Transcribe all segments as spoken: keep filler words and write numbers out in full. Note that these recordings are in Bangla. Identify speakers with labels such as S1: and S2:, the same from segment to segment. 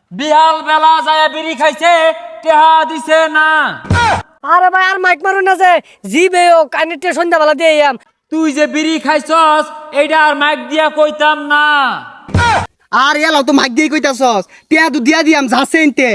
S1: বিহাল বেলা যায় বিড়ি খাইছে, টেহা দিছে না।
S2: আরে ভাই আর মাইক মারুন না যে জিবে ও কানেক্টে সন্ধ্যাবেলা দিয়ে আম।
S1: তুই যে বিড়ি খাইছস এইটা আর মাইক দিয়া কইতাম না।
S3: আর এলাও তো মাইক দিয়ে কইতাছস, টিয়া তো দিয়া দিয়াম যাচ্ছে এনতে।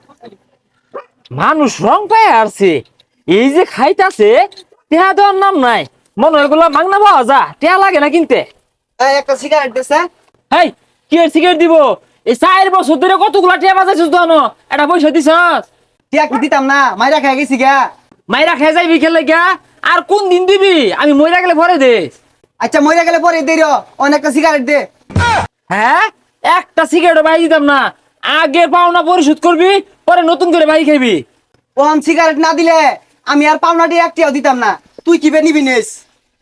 S1: মানুষ রং পায় আসছে, এই যে খাইতাছে টেহা দেওয়ার নাম নাই। মনে হয় এগুলা মাংনা পাওয়া যা, টেহা লাগে না কিনতে।
S3: এই একটা সিগারেট দেছে।
S1: হেই, কি এর সিগারেট দিব? এই চার বছর ধরে কতগুলা টেহা বাজাইছিস তো, এটা পয়সা দিছস?
S3: টিয়া কি দিতাম না, মাইরা খাই গেছি গা।
S1: মাইরা খেয়ে যাইবি খেলে গা, আর কোন দিন দিবি? আমি মইরা গেলে ভরে দিস।
S3: আচ্ছা মইরা গেলে পরে দে রে, অনেকটা সিগারেট দে।
S1: হ্যাঁ, একটা সিগারেট বাই দিতাম না। আগে পাওনা পরিশোধ করবি, পরে নতুন করে বাই খাইবি।
S3: ওহন সিগারেট না দিলে আমি আর পাওনাটি একটিও দিতাম না। তুই কি বে নিবি নিস?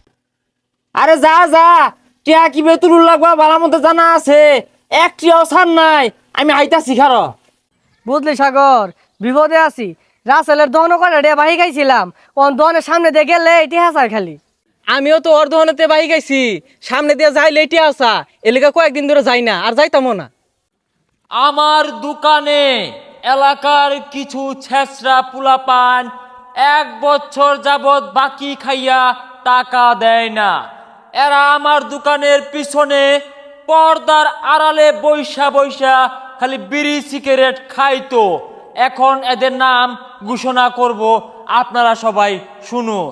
S1: আরে যা যা, টিয়া কি বেতুল লাগবা বালার মধ্যে জানা আছে। একটিও ছাড় নাই, আমি আইতাছি খারো।
S2: বুঝলি সাগর, বিপদে আছি। রাসেলের দহন করে রে বাহি খাইছিলাম, ওন দহনের সামনে দিয়ে গেলে এটি হাসার খালি।
S4: আমিও তো ওর দোকানেতে বাই গাইছি, সামনে দিয়ে যাই লেটে আসা এলাকা কয়েকদিন ধরে যাই না, আর যাইতামও না।
S1: আমার দোকানে এলাকার কিছু ছেঁচড়া পুলাপান এক বছর যাবৎ বাকি খাইয়া টাকা দেয় না। এরা আমার দোকানের পিছনে পর্দার আড়ালে বৈশা বৈশা খালি বিড়ি সিগারেট খাইতো। এখন এদের নাম ঘোষণা করব, আপনারা সবাই শুনুন।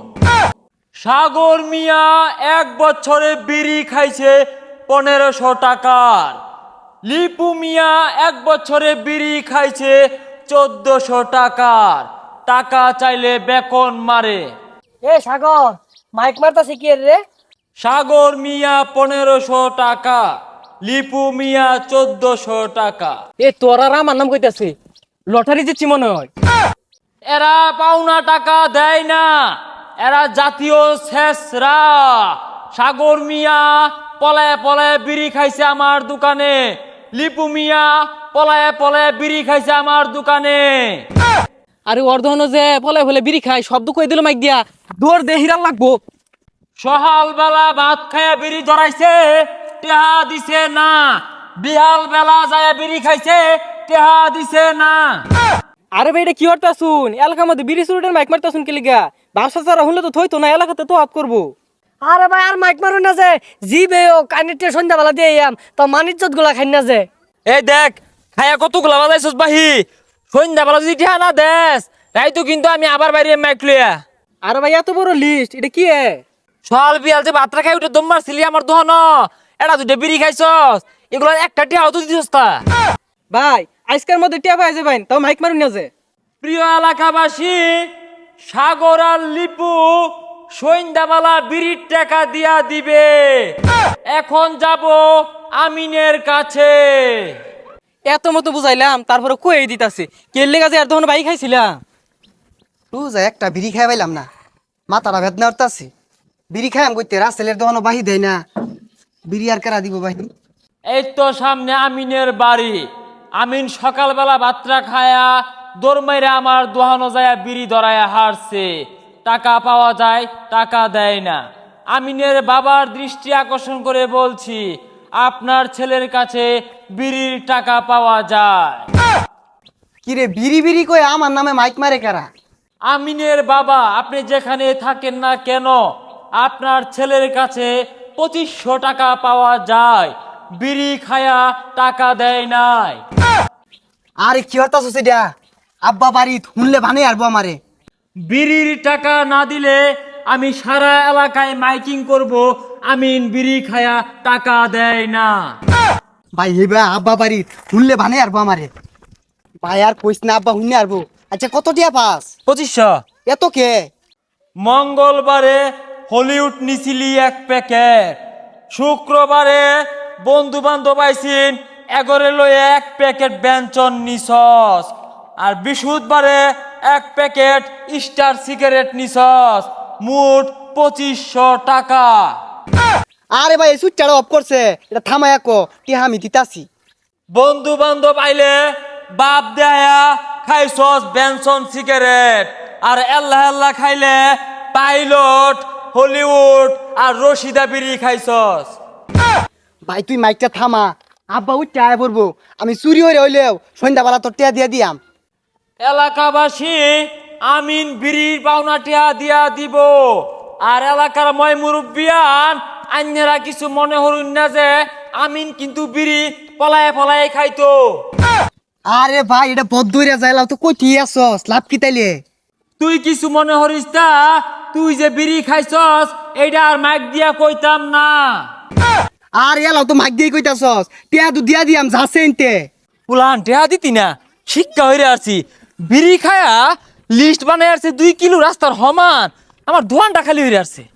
S1: সাগর মিয়া এক বছরে বিড়ি খাইছে পনেরোশো টাকার। লিপু মিয়া এক বছরে বিড়ি খাইছে চোদ্দশো টাকার। টাকা চাইলে বেকন মারে।
S2: এ সাগর, মাইক মারতাছি কি রে?
S1: সাগর মিয়া পনেরোশো টাকা, লিপু মিয়া চোদ্দশো টাকা।
S4: এ তোর আর আমার নাম কইতাছে, লটারি দিচ্ছি মনে হয়।
S1: এরা পাওনা টাকা দেয় না, এরা জাতীয় শেষরা। সাগর মিয়া পলায় পলায় বিড়ি খাইছে আমার দোকানে, লিপু মিয়া পলায় পলায় বিড়ি খাইছে আমার দোকানে।
S4: আরে ওর দোকানে যে পলে ফলে বিড়ি খাই, শব্দ কই দিল মাইক দিয়া, দৌড় দে হিরাল লাগবো।
S1: সকাল বেলা ভাত খাইয়া বিড়ি ধরাইছে, টেহা দিছে না। বিহাল বেলা যায় বিড়ি খাইছে, টেহা দিছে না।
S4: আরে ভাই এটা কি হরতা শুন, এলাকার মধ্যে বিড়ি চুরিটার মাইক মারতা শুন কেলিগা, ব্যবসা ছাড়া হলে তো থইতো না, এলাকাতে তো হাত করবো।
S2: আরে ভাই আর মাইক মারুন না যে জিবে ও কানেক্টে সন্ধ্যাবেলা দিয়ে আম, তো মানিজ্জত গুলা খাই না যে।
S1: এই দেখ, খাইয়া কতগুলা বাজাইছস বাহি। সন্ধ্যাবেলা যদি টেহা না দেস, তাই তো কিন্তু আমি আবার বাইরে মাইক লইয়া।
S4: আরে ভাই এত বড় লিস্ট, এটা কি এ?
S1: সকাল বিয়াল যে ভাতটা খাই উঠে দম মারছিলি আমার দোহান, এটা দুটো বিড়ি খাইছস, এগুলো একটা টেহাও তো দিছস তা।
S4: ভাই আজকের মধ্যে টিয়া পাই যাবেন, তাও মাইক মারুন না যে।
S1: প্রিয় এলাকাবাসী, সাগর আর লিপু সন্ধ্যাবেলা বিড়ির টাকা দিয়া দিবে। এখন যাব আমিনের কাছে।
S4: এত মতো বুঝাইলাম, তারপরে কই দিতাছে কেলে গাছে আর তখন ভাই খাইছিলাম।
S3: তুই যা একটা বিড়ি খাই পাইলাম না, মাথাটা বেদনা উঠতাছে। বিড়ি খাই আম কইতে রাসেলের দহনও বাহি দেয় না। বিড়ি আর কেরা দিব বাহি?
S1: এই তো সামনে আমিনের বাড়ি। আমিন সকালবেলা ভাতটা খায়া দৌড় আমার দোহানো যায় বিড়ি ধরায়া হারছে। টাকা পাওয়া যায়, টাকা দেয় না। আমিনের বাবার দৃষ্টি আকর্ষণ করে বলছি, আপনার ছেলের কাছে বিড়ির টাকা পাওয়া যায়।
S3: কিরে বিড়ি বিড়ি কই আমার নামে মাইক মারে কারা?
S1: আমিনের বাবা, আপনি যেখানে থাকেন না কেন, আপনার ছেলের কাছে পঁচিশশো টাকা পাওয়া যায়। বিড়ি খায়া টাকা দেয় নাই।
S3: আরে কি হতাছ সেটা? আব্বা বাড়ি শুনলে ভানে আরবো আমারে।
S1: বিড়ির টাকা না দিলে আমি সারা এলাকায় মাইকিং করব, আমিন বিড়ি খায়া টাকা দেয় না।
S3: ভাই হেবা আব্বা বাড়ি শুনলে ভানে আরবো আমারে। ভাই আর কইস না, আব্বা শুনলে আরবো। আচ্ছা কত টিয়া পাস?
S1: পঁচিশশো।
S3: এত কে?
S1: মঙ্গলবারে হলিউড নিছিলি এক প্যাকেট, শুক্রবারে বন্ধু বান্ধব আইসিন এগরে লয়ে এক প্যাকেট ব্যঞ্জন নিছস, আর বৃহস্পতিবারে এক প্যাকেট স্টার সিগারেট নিছস। মোট পঁচিশশো টাকা।
S3: আরে ভাই সুইচটা অফ করছে, এটা থামায়া কো টিয়া আমি দিতাছি।
S1: বন্ধু বান্ধব আইলে বাপ দেয়া খাইছস বেনসন সিগারেট, আর আল্লাহ আল্লাহ খাইলে পাইলট হলিউড আর রশিদা বিড়ি খাইছস।
S3: ভাই তুই মাইকটা থামা, আব্বা উঠতে আয় পড়বো আমি চুরি হয়ে হইলেও সন্ধ্যাবেলা তোর টিয়া দিয়া দিয়াম।
S1: এলাকাবাসী আমিন বিড়ির পাওনা টিয়া দিয়া দিব। আর এলাকার ময় মুরব্বিয়ান আন্যেরা কিছু মনে হরুন না যে আমিন কিন্তু বিড়ি পলায়ে পলায়ে খাইতো।
S3: আরে ভাই এটা বদ দইরা যাইলাও তো কই ঠিক আছস লাভ কি তাইলে?
S1: তুই কিছু মনে হরিস তা তুই যে বিড়ি খাইছস এইটা আর মাইক দিয়া কইতাম না।
S3: আর এলাও তো মাইক দিয়ে কইতাছস টিয়া তো দিয়া দিয়াম যাচ্ছে এনতে।
S1: পুলান টেহা দিতি না শিক্ষা হইরে আসছি বিড়ি খায়া লিস্ট বানাই আসছে দুই কিলো রাস্তার সমান আমার দোয়ানটা খালি হইরে আসছে।